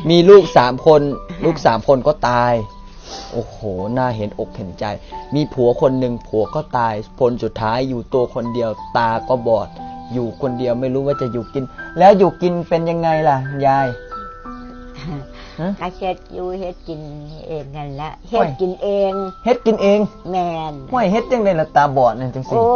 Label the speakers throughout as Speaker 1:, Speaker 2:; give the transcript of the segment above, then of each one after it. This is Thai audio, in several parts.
Speaker 1: มีลูก3 คนลูก3 คนก็ตายโอ้โหน่าเห็นอกเห็นใจมีผัวคนหนึ่งผัวก็ตายผลสุดท้ายอยู่ตัวคนเดียวตาก็บอดอยู่คนเดียวไม่รู้ว่าจะอยู่กินแล้วอยู่กินเป็นยังไงล่ะยาย
Speaker 2: ก็เฮ็ดอยู่เฮ็ดกินเองนั่นแหละเฮ็ดกินเอง
Speaker 1: เฮ็ดกินเอง
Speaker 2: แม่น
Speaker 1: ห้วยเฮ็ดจังได๋ล่ะตาบอดนั่นจังซี่
Speaker 2: โอ้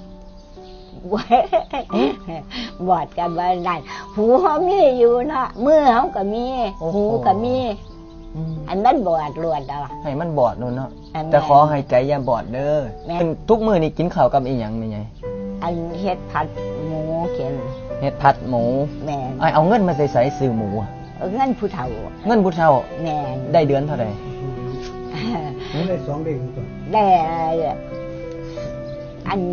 Speaker 2: บอดกันว่าได้หูเฮามีอยู่เนาะมือเฮาก็มีหูก็มีอันมันบอดล้วนแล้ว
Speaker 1: ให้มันบอดนู่นเนาะแต่ขอให้ใจอย่าบอดเด้อทุกมื้อนี่กินข้าวกับอีหยังแม่ใหญ่
Speaker 2: อันเฮ็ดผัดหมูเข็น
Speaker 1: เฮ็ดผัดหมู
Speaker 2: แม่น
Speaker 1: เอาเงินมาใส่ซื้อหมู
Speaker 2: เงินผู้เฒ่า
Speaker 1: เงินผู้เฒ่า
Speaker 2: แม่น
Speaker 1: ได้เดือนเท่าใด
Speaker 3: ได้2เดือนก่อน
Speaker 2: ได้อัน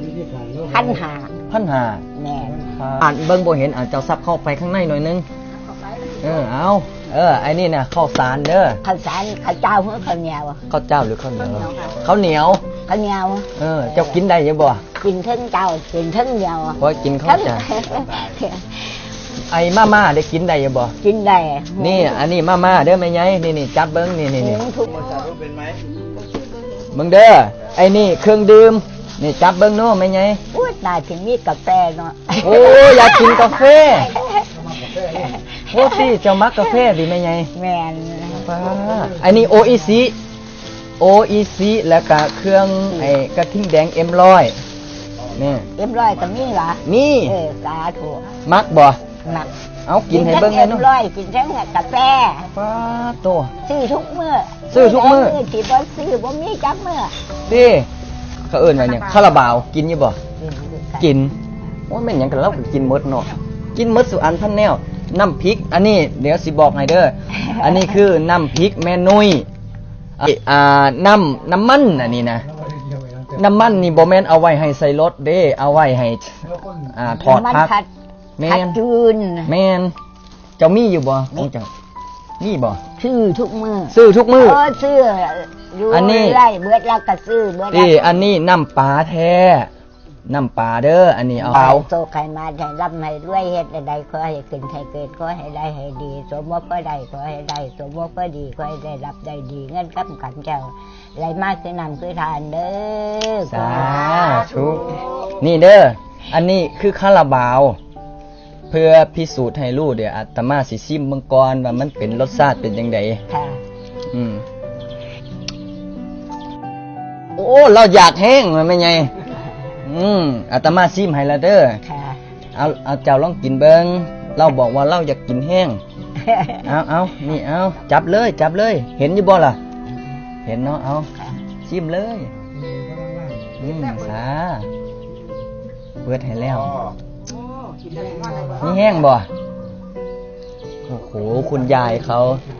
Speaker 2: 1,500แม่น
Speaker 1: อ่านเบิ่งบ่เห็นเจ้าซับเข้าไปข้างในหน่อยนึงเอาไอ้นี่น่ะข้าวสารเด้อ
Speaker 2: ข้าวสารข้าวเจ้าหรือข้าวเหนียว
Speaker 1: ข้าวเจ้าหรือข้าวเหนียวข้าวเหนียวเจ้ากินได้ยังบ่
Speaker 2: กินทั้งเจ้ากินทั้งเหนียว
Speaker 1: เพราะกินข้าวจ้าไอ้ม่าได้กินได้ยังบ่
Speaker 2: กินได้
Speaker 1: นี่อันนี้ม่าเด้อแม่ใหญ่นี่จับเบิ่งนี่มึงเด้อไอ้นี่เครื่องดื่มนี่จับเบิ่งเนาะแม่ใหญ่
Speaker 2: อุ๊ยน่าสิมีกาแฟเนาะ
Speaker 1: โอ้อยากกินกาแฟโอ้สิเจ้ามักกาแฟดิแม่ใหญ่
Speaker 2: แม่น
Speaker 1: อันนี้ OEC แล้วก็เครื่องไอ้กระทิ่งแดง M100 นี่
Speaker 2: M100 ก็มีเหรอ
Speaker 1: นี่
Speaker 2: สาธุ
Speaker 1: มักบ่
Speaker 2: มัก
Speaker 1: เอากินให้เบิ่งเลยเนาะ
Speaker 2: M100 กินทั้งกาแฟ
Speaker 1: ป้าโต
Speaker 2: ซื้อทุกมื้อที่บ่ซื้อบ่มีจักมื้อ
Speaker 1: ดิเขาเอิ้นว่าหยังคาราบาวกินอยู่บ่กินโอ้แม่นหยังกันเราก็กินหมดเนาะกินหมดสุอันพันแนวน้ำพริกอันนี้เดี๋ยวสิบอกให้เด้ออันนี้คือน้ำพริกแม่นุ้ยน้ำมันอันนี้นะน้ำมันนี่บ่แม่นเอาไว้ให้ใส่รถเด้เอาไว้ให้ทอดผัก
Speaker 2: แม่นจืน
Speaker 1: แม่นเจ้ามีอยู่บ่ของเจ้ามีบ่
Speaker 2: ซื้อทุกมื้อ
Speaker 1: ซื้อ
Speaker 2: อันนี้ไล่เบิดแล้วก็ซื้อเบิด
Speaker 1: นี่อันนี้น้ำปลาแท้น้ำปลาเด้ออันนี้เอา
Speaker 2: โตไข่มาให้ร่ำให้รวยเฮ็ดใดขอให้ขึ้นให้เกิดขอให้ได้ให้ดีสมว่าก็ได้ขอให้ได้สมว่าก็ดีขอให้ได้รับได้ดีเงินกับกันเจ้าไหลมากคือนำคือทานเด้อ
Speaker 1: สาธุนี่เด้ออันนี้คือคาราบาวเพื่อพิสูจน์ให้รู้เดี๋ยวอาตมาสิชิมมังกรว่ามันเป็นรสชาติเป็นจังไดค่ะโอ้เราอยากแห้งมันไม่ไงอาตมาชิมให้ละเด้อเอาเจ้าลองกินเบิ่งเราบอกว่าเราอยากกินแห้งเอานี่เอาจับเลยเห็นอยู่บ่ล่ะเห็นเนาะเอาชิมเลยสาเปิดให้แล้วนี่แห้งบ่โอ้โหคุณยายเขา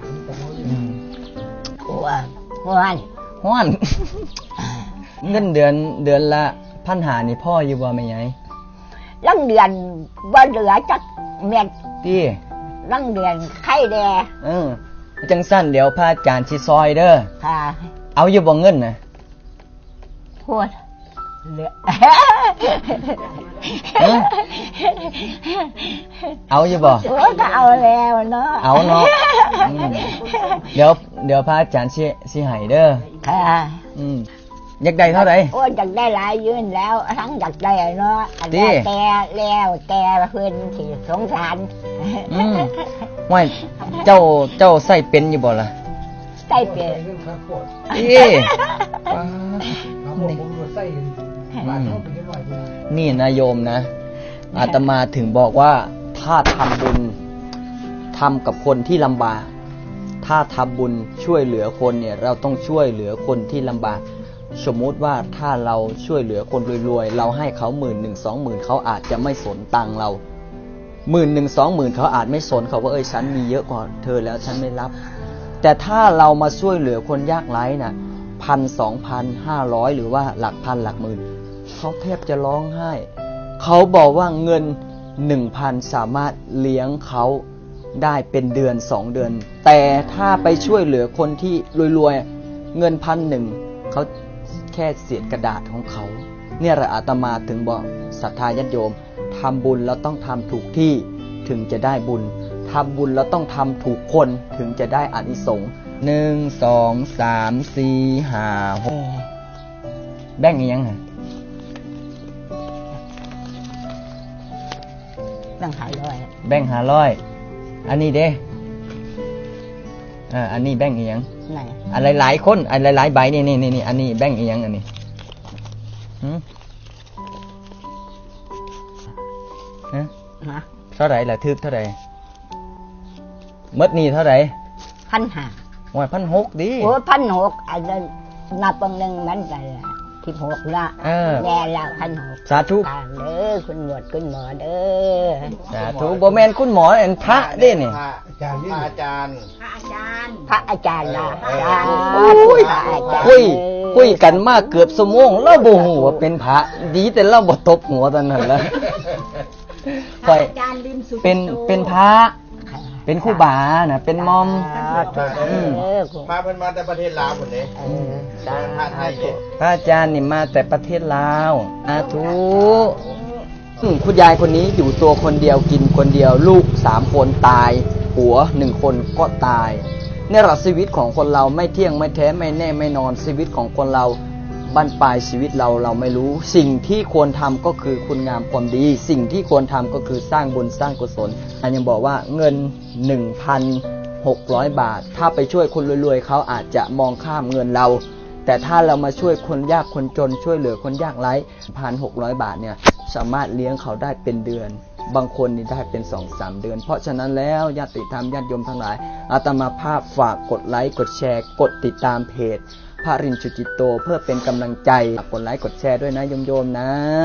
Speaker 1: ห้อนเงินเดือนละ1,500นี่พ่ออยู่บ่แม่ใหญ่
Speaker 2: ลังเดือนบ่เหลือจักเม็ด
Speaker 1: ติ
Speaker 2: ลังเดือนไข่แด
Speaker 1: จังสั้นเดี๋ยวพระอาจารย์สิซอยเด้อค่ะเอาอยู่บ่เงินน่ะ
Speaker 2: พูดเหลือ
Speaker 1: เอาอยู่บ่
Speaker 2: ก็เอาแล้วเนาะ
Speaker 1: เอาเนาะเดี๋ยวพระอาจารย์สิให้เด้อค่ะอยากได้เท่าไหร่
Speaker 2: โอ้อยากได้หลายยืนแล้วทั้งอยากได้เนาะอันนี้แกเพิ่นสิสงสาร
Speaker 1: ว่าเจ้าใส่เป็นอยู่บ่ล่ะ
Speaker 2: ใส่เป็น
Speaker 1: นี่นะโยมนะอาตมาถึงบอกว่าถ้าทำบุญทำกับคนที่ลำบากถ้าทำบุญช่วยเหลือคนเนี่ยเราต้องช่วยเหลือคนที่ลำบากสมมุติว่าถ้าเราช่วยเหลือคนรวยๆเราให้เขา10,000 20,000เขาอาจจะไม่สนตังเรา10,000 20,000เขาอาจไม่สนเขาว่าฉันมีเยอะกว่าเธอแล้วฉันไม่รับแต่ถ้าเรามาช่วยเหลือคนยากไร้น่ะ1,000 2,000 500หรือว่าหลักพันหลักหมื่นเขาแทบจะร้องไห้เขาบอกว่าเงิน 1,000 สามารถเลี้ยงเขาได้เป็นเดือน2เดือนแต่ถ้าไปช่วยเหลือคนที่รวยๆเงิน1,000เขาแค่เศษกระดาษของเขาเนี่ยแหละอาตมาถึงบอกศรัทธาญาติโยมทำบุญแล้วต้องทำถูกที่ถึงจะได้บุญทำบุญเราต้องทำถูกคนถึงจะได้อานิสงส์1 2 3 4 5 6แบ่งอีกยังไง
Speaker 2: ตั้ง500
Speaker 1: แบ่ง500อันนี้เด้อันนี้แบ่งอีกยัง
Speaker 2: ไหน
Speaker 1: อันหลายๆคนอันหลายๆใบนี่อันนี้แบ่งอีกยังอันนี้ฮะ
Speaker 2: ฮะ
Speaker 1: เท่าไหร่ล่ะทึกเท่าไหร่มดนี่เท่าไหร่
Speaker 2: 1,500
Speaker 1: ว่า1,600ดิ
Speaker 2: โอ้1,600อันนั้นนับเบิ่งหนึงมันก็16ละแย่แล้ว1,600
Speaker 1: สาธุ
Speaker 2: ตามเด้อคุณหมวดคุณหมอเด้อ
Speaker 1: สาธุบ่แม่นคุณหมอเอ็นพระเด้นี่
Speaker 3: อาจารย์
Speaker 2: พระอาจารย์นะ
Speaker 1: อุ้ย
Speaker 2: พระอาจารย์
Speaker 1: คุยกันมาเกือบชั่วโมงเราบ่ฮู้ว่าเป็นพระดีแต่เราบ่ตบหัวตอนนั้นแหละค่อยเป็นพระเป็นครูบาน่ะเป็นมอม
Speaker 3: มาเพิ่นมาแต่ประเทศลาวพุ่นเด้พระไทยเด้
Speaker 1: พระอาจารย์นี่มาแต่ประเทศลาวอาทุคุณยายคนนี้อยู่ตัวคนเดียวกินคนเดียวลูก3คนตายผัว1คนก็ตายในหลักชีวิตของคนเราไม่เที่ยงไม่แท้ไม่แน่ไม่นอนชีวิตของคนเราบั้นปลายชีวิตเราไม่รู้สิ่งที่ควรทำก็คือคุณงามความดีสิ่งที่ควรทำก็คือสร้างบุญสร้างกุศลอันยังบอกว่าเงิน 1,600 บาทถ้าไปช่วยคนรวยๆเขาอาจจะมองข้ามเงินเราแต่ถ้าเรามาช่วยคนยากคนจนช่วยเหลือคนยากไร้ 1,600 บาทเนี่ยสามารถเลี้ยงเขาได้เป็นเดือนบางคนนี่ได้เป็น 2-3 เดือนเพราะฉะนั้นแล้วญาติธรรมญาติโยมทั้งหลายอาตมาภาพฝากกดไลค์กดแชร์กดติดตามเพจพระรินทร์ ชุจิตโตเพื่อเป็นกำลังใจกดไลค์กดแชร์ด้วยนะโยมๆนะ